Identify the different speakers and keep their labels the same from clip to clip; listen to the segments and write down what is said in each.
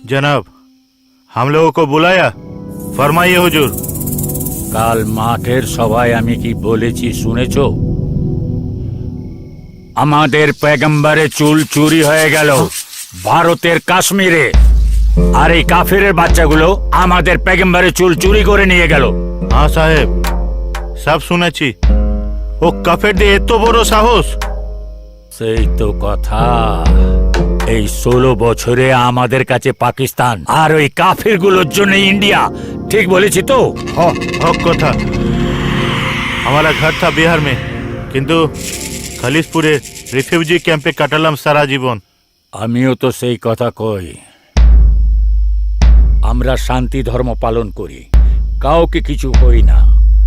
Speaker 1: जनाब, हम लोगों को बुलाया, फरमाइए हुजूर।
Speaker 2: কাল মাঠের সভায় আমি কি বলেছি শুনেছো? আমাদের পেগম্বরের চুল চুরি হয়ে গেল ভারতের কাশ্মীরে, আর এই কাফিরের বাচ্চাগুলো আমাদের পেগম্বরের চুল চুরি করে নিয়ে গেল।
Speaker 1: हाँ साहेब, सब শুনেছি। ও কাফেরদের এত বড় সাহস!
Speaker 2: সেই তো কথা। এই 16 বছরে আমাদের কাছে পাকিস্তান আর ওই কাফিরগুলোর জন্য ইন্ডিয়া। ঠিক বলেছি তো?
Speaker 1: हक কথা। हमारा घर था बिहार में, किंतु খালিশপুরে রিফিউজি ক্যাম্পে কাটালাম সারা জীবন।
Speaker 2: আমিও তো সেই কথা কই। আমরা শান্তি ধর্ম পালন করি, কাউকে কিছু কই না,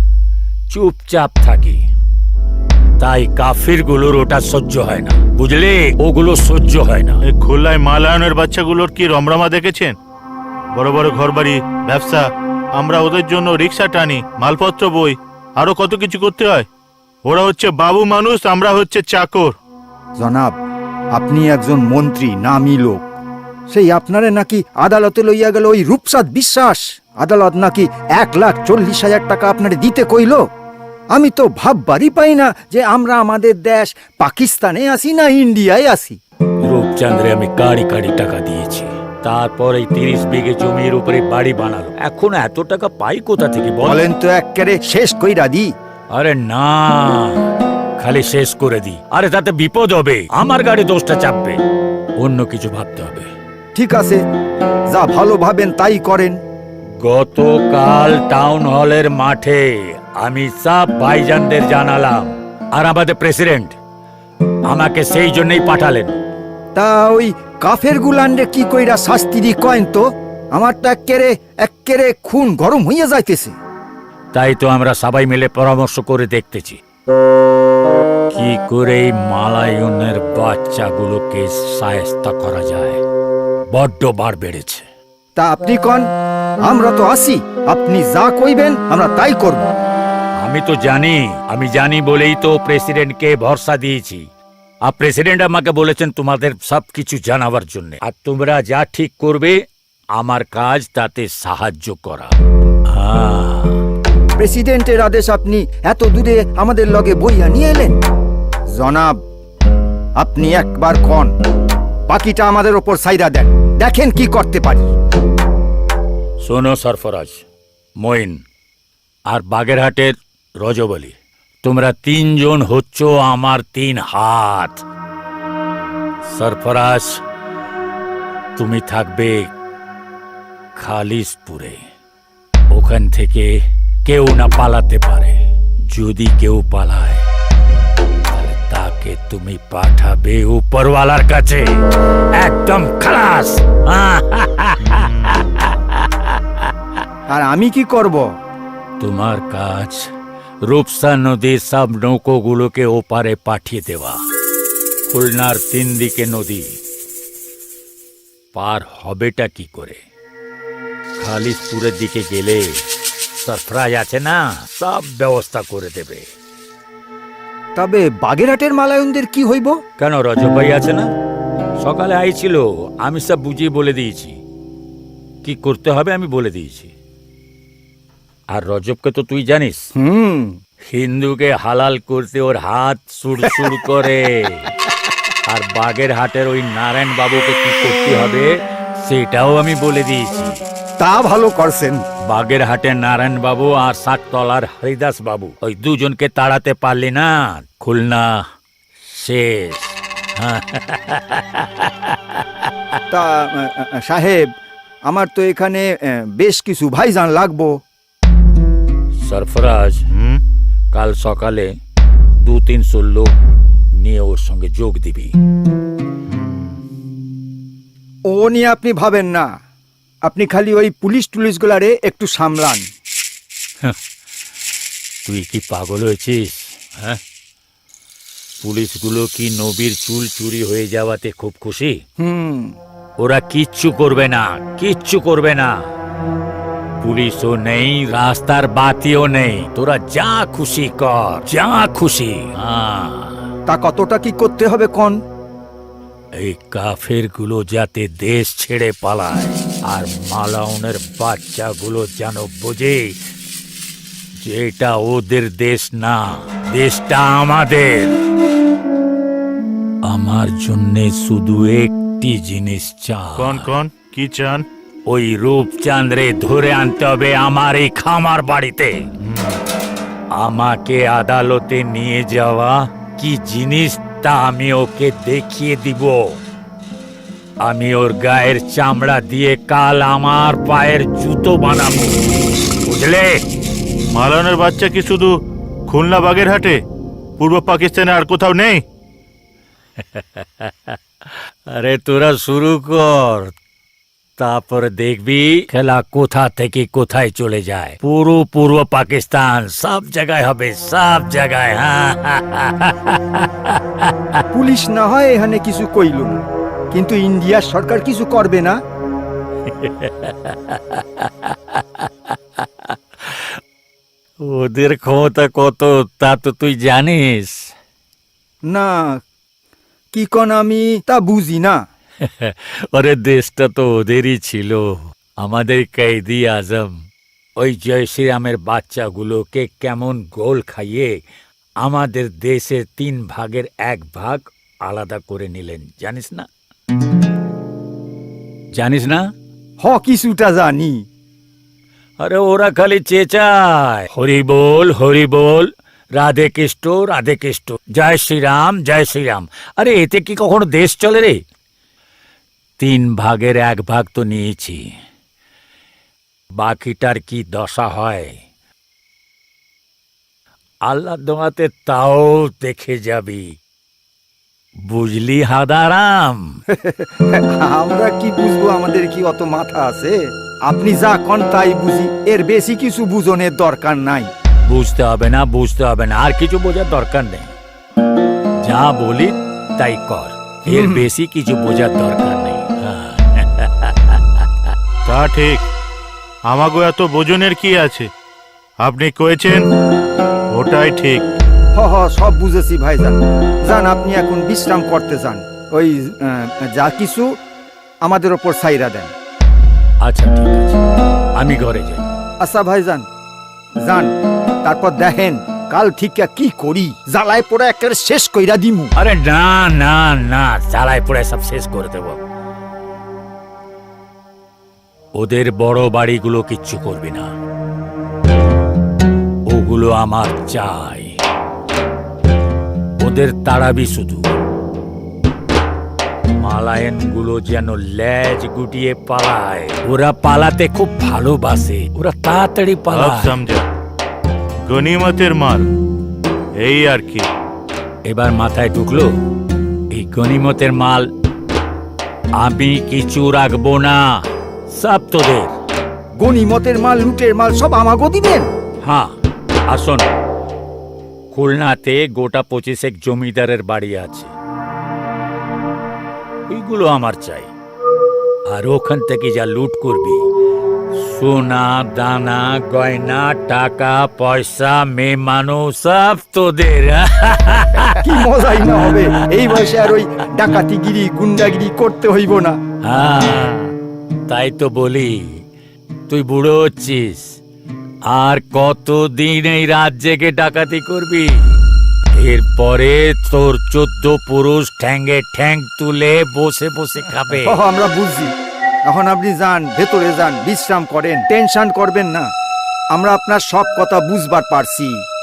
Speaker 2: চুপচাপ থাকি। তাই কাফিরগুলোর ওটা সহ্য হয় না, বুঝলে? ওগুলো সহ্য হয় না।
Speaker 1: এই খুলনায় মালায়নের বাচ্চাগুলোর কি রমরমা দেখেছেন? বড় বড় ঘরবাড়ি, ব্যবসা। আমরা ওদের জন্য রিক্সা টানি, মালপত্র বই, আরো কত কিছু করতে হয়। ওরা হচ্ছে বাবু মানুষ, আমরা হচ্ছে চাকর।
Speaker 3: জনাব, আপনি একজন মন্ত্রী, নামী লোক। সেই আপনারে নাকি আদালতে লইয়া গেল ওই রূপসাদ বিশ্বাস। আদালত নাকি 1,40,000 টাকা আপনারে দিতে কইল। আমি তো ভাববারই পাই না যে আমরা আমাদের দেশ পাকিস্তানে আসি না ইন্ডিয়ায় আসি।
Speaker 2: রূপচন্দ্রে আমি কাড়ি কাড়ি টাকা দিয়েছি, তারপর এই 30 বিঘে জমির উপরে বাড়ি বানালো। এখন এত টাকা পাই কোথা থেকে
Speaker 3: বলেন তো? একেবারে শেষ কইরা দি।
Speaker 2: আরে না, খালি শেষ করে দি। আরে তাতে বিপদ হবে, আমার গাড়ি দোষটা চাপবে। অন্য কিছু ভাবতে হবে।
Speaker 3: ঠিক আছে, যা ভালো ভাবেন তাই করেন।
Speaker 2: গতকাল টাউন হলের মাঠে আমি সব ভাইজানদের জানালাম, আর আমাদের প্রেসিডেন্ট আমাকে সেই জন্যই পাঠালেন।
Speaker 3: তা ওই কাফের গুলান্ডে কি কইরা শাস্তি দি কয়েন তো? আমারটা এক্কেরে খুন গরম হইয়া যাইতেছে।
Speaker 2: তাই তো আমরা সবাই মিলে পরামর্শ করে দেখতেছি কি করে এই মালায়নের বাচ্চাগুলোকে শায়েস্তা করা যায়। বড্ড বার বেড়েছে।
Speaker 3: তা আপনি কন, আমরা তো আসি। আপনি যা কইবেন আমরা তাই করব।
Speaker 2: আমি জানি বলেই তো প্রেসিডেন্টকে ভরসা দিয়েছি। আর প্রেসিডেন্ট আমাকে বলেছেন তোমাদের সবকিছু জানাবার জন্য, আর তোমরা যা ঠিক করবে আমার কাজ তাতে সাহায্য করা।
Speaker 3: প্রেসিডেন্টের আদেশ আপনি এত দূরে আমাদের লগে বইয়া নিয়ে এলেন। জনাব, আপনি একবার কন, বাকিটা আমাদের ওপর সাইরা দেন, দেখেন কি করতে পারি।
Speaker 2: শোনো সরফরাজ, মঈন আর বাগেরহাটের রজব আলী, তোমরা 3 জন হচ্ছ আমার 3 হাত। সরফরাজ, তুমি থাকবে খালিশপুরে। ওখান থেকে কেউ না পালাতে পারে। যদি কেউ পালায় তাহলে তাকে তুমি পাঠাবে উপরওয়ালার কাছে, একদম খালাস।
Speaker 3: আর আমি কি করব?
Speaker 2: তোমার কাজ রূপসা নদীর সব নৌকোগুলোকে ওপারে পাঠিয়ে দেওয়া। খুলনার 3 দিকে নদী, পার হবেটা কি করে? খালিশপুরের দিকে গেলে সরফরাজ আছে না, সব ব্যবস্থা করে দেবে।
Speaker 3: তবে বাগেরহাটের মালায়নদের কি হইব?
Speaker 2: কেন, রজব ভাই আছে না? সকালে আইছিল, আমি সব বুঝিয়ে বলে দিয়েছি। কি করতে হবে আমি বলে দিয়েছি। আর রজবকে তো তুই জানিস, হিন্দুকে হালাল করতে ওর হাত সুড়সুড় করে। আর বাগেরহাটের ওই নারায়ণ বাবুকে কি করতে হবে সেটাও আমি বলে দিয়েছি।
Speaker 3: তা ভালো করছেন।
Speaker 2: বাগেরহাটের নারায়ণ বাবু আর সাততলার হরিদাস বাবু, ওই দুজনকে তাড়াতে পারলি না, খুলনা শেষ।
Speaker 3: তা সাহেব, আমার তো এখানে বেশ কিছু ভাইজান লাগবো।
Speaker 2: সরফরাজ, কাল সকালে 200-300 লোক নিয়ে ওর সঙ্গে যোগ দিবি।
Speaker 3: ও নিয়ে আপনি ভাবেন না, আপনি খালি ওই পুলিশ টুলিশগুলারে একটু সামলান।
Speaker 2: তুই কি পাগল হয়েছিস? হ্যাঁ, পুলিশগুলো কি নবীর চুল চুরি হয়ে যাওয়াতে খুব খুশি? ওরা কিচ্ছু করবে না, কিচ্ছু করবে না। পুলিশও নেই, রাস্তার বাতিও নেই, তোরা যা খুশি কর, যা খুশি।
Speaker 3: তা কতটা কি করতে হবে কোন?
Speaker 2: এই কাফের গুলো যাতে দেশ ছেড়ে পালায়, আর মালাউনের বাচ্চাগুলো যেন বোঝে যে এটা ওদের দেশ না, দেশটা আমাদের। আমার জন্যে শুধু একটি জিনিস চাই।
Speaker 1: কোন কোন কি চান?
Speaker 2: ওই রূপচাঁদরে ধরে আনতে হবে আমার এই খামার বাড়িতে। আমাকে আদালতে নিয়ে যাওয়া কি জিনিস তা আমি ওকে দেখিয়ে দিব। আমি ওর গায়ের চামড়া দিয়ে কাল আমার পায়ের জুতো বানাবো, বুঝলে?
Speaker 1: মালানের বাচ্চা কি শুধু খুলনা বাগেরহাটে, পূর্ব পাকিস্তানে আর কোথাও নেই?
Speaker 2: আরে তোরা শুরু কর, তারপরে দেখবি খেলা কোথা থেকে কোথায় চলে যায়। পুরো পূর্ব পাকিস্তান সব জায়গায় হবে, সব জায়গায়।
Speaker 3: পুলিশ না হয় এখানে কিছু কইল না, কিন্তু ইন্ডিয়ার সরকার কিছু করবে না?
Speaker 2: ওদের ক্ষমতা কত তা তো তুই জানিস।
Speaker 3: না, কি কন আমি তা বুঝি না।
Speaker 2: ওরে দেশটা তো ওদেরই ছিল, আমাদের কয়েদি আজম ওই জয় শ্রীরামের বাচ্চাগুলোকে কেমন গোল খাইয়ে আমাদের দেশের 3 ভাগের 1 ভাগ আলাদা করে নিলেন, জানিস না? জানিস না?
Speaker 3: কিছুটা জানি।
Speaker 2: আরে ওরা খালি চেঁচায় হরি বল, রাধে কৃষ্ণ, জয় শ্রীরাম, জয় শ্রীরাম। আরে এতে কি কখনো দেশ চলে রে? 3 ভাগের 1 ভাগ তো নিয়েছি, বাকিটার কি দশা হয় আল্লাহ দোয়াতে তাও দেখে যাবি, বুঝলি হাদারাম?
Speaker 3: আমরা কি বুঝবো, আমাদের কি অত মাথা আছে? আপনি যা কন তাই বুঝি, এর বেশি কিছু বুঝনের দরকার নাই।
Speaker 2: বুঝতে হবে না, আর কিছু বোঝার দরকার নেই। যা বলি তাই কর, এর বেশি কিছু বোঝার দরকার নেই।
Speaker 1: তা ঠিক, আমাগো এত বোঝনের কি আছে? আপনি কয়েছেন ওটাই ঠিক।
Speaker 3: সব বুঝেছি ভাইজান। যান, আপনি এখন বিশ্রাম করতে যান। ওই যা কিছু আমাদের ওপর ছাইরা দেন।
Speaker 2: আচ্ছা ঠিক আছে, আমি ঘরে যাই।
Speaker 3: আচ্ছা ভাইজান, যান, তারপর দেখেন কাল ঠিক কি করি। জ্বালায় পড়ে একটা শেষ কইরা দিমু।
Speaker 2: আরে না না না, জ্বালায় পড়ে সব শেষ করে দেব। ওদের বড় বাড়িগুলো কিচ্ছু করবি না, ওগুলো আমার চাই। ওদের তাড়াবি শুধু। মালায়ন গুলো যেন লেজ গুটিয়ে পালায়। ওরা পালাতে খুব ভালোবাসে, ওরা তাড়াতাড়ি
Speaker 1: সব
Speaker 2: পালায়।
Speaker 1: সমঝা, গনিমতের মাল, এই আর কি।
Speaker 2: এবার মাথায় ঢুকলো, এই গনিমতের মাল আমি কিছু রাখবো না, সব তোদের।
Speaker 3: গনিমতের মাল, লুটের মাল সব আমাগো দিবেন?
Speaker 2: হ্যাঁ, আসুন। খুলনাতে গোটা 25 জমিদারের বাড়ি আছে, ওইগুলো আমার চাই। আর ওখান থেকে যা লুট করবি, সোনা দানা গয়না টাকা পয়সা মেয়ে মানুষ সব তোদের।
Speaker 3: কি মজাই না হবে। এই বয়সে আর ওই ডাকাতিগিরি গুন্ডাগিরি করতে হইব না।
Speaker 2: হ্যাঁ, তাই তো বলি, তুই বুড়ো হচ্ছিস, আর কতদিন এই রাত জেগে ডাকাতি করবি? এরপরে তোর 14 পুরুষ ঠ্যাঙ্গে ঠ্যাং তুলে বসে বসে খাবে।
Speaker 3: আমরা বুঝছি। এখন আপনি যান, ভেতরে যান, বিশ্রাম করেন, টেনশন করবেন না। আমরা আপনার সব কথা বুঝবার পারছি।